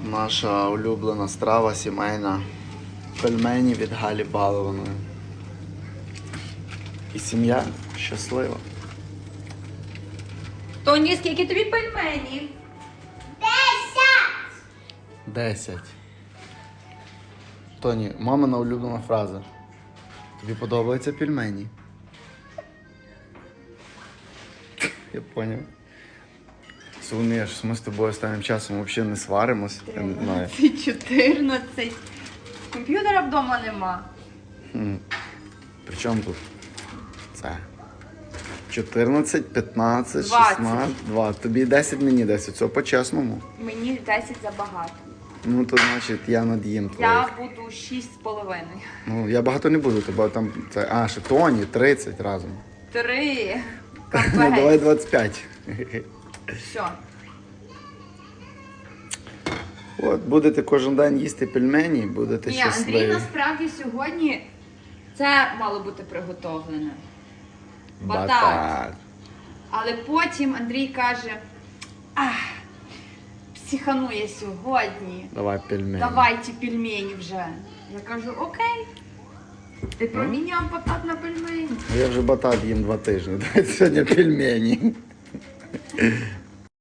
Наша улюблена страва сімейна. Пельмені від Галі Балованої. І сім'я щаслива. Тоні, скільки тобі пельменів? 10. Тоні, мамина улюблена фраза. Тобі подобаються пельмені? Я поняв. Соломія, що ми з тобою останнім часом взагалі не сваримось. Я не знаю. 14. Комп'ютера вдома нема. При чому тут? Це. 14, 15, 20. 16, 2. Тобі 10, мені 10. Все по-чесному. Мені 10 забагато. Ну, то значить я над'їм твоїх. Я буду 6,5. Ну, я багато не буду, тебе там... Це... А, ще Тоні, 30 разом. 3. Ну, давай 25. Все. От, будете кожен день їсти пельмені, будете Ні, щасливі. Андрій насправді сьогодні це мало бути приготовлено. Батат. Але потім Андрій каже, психанує сьогодні. Давай пельмені. Давайте пельмені вже. Я кажу, окей. Ти проміняв батат на пельмені. Я вже батат їм 2 тижні. Давайте сьогодні пельмені.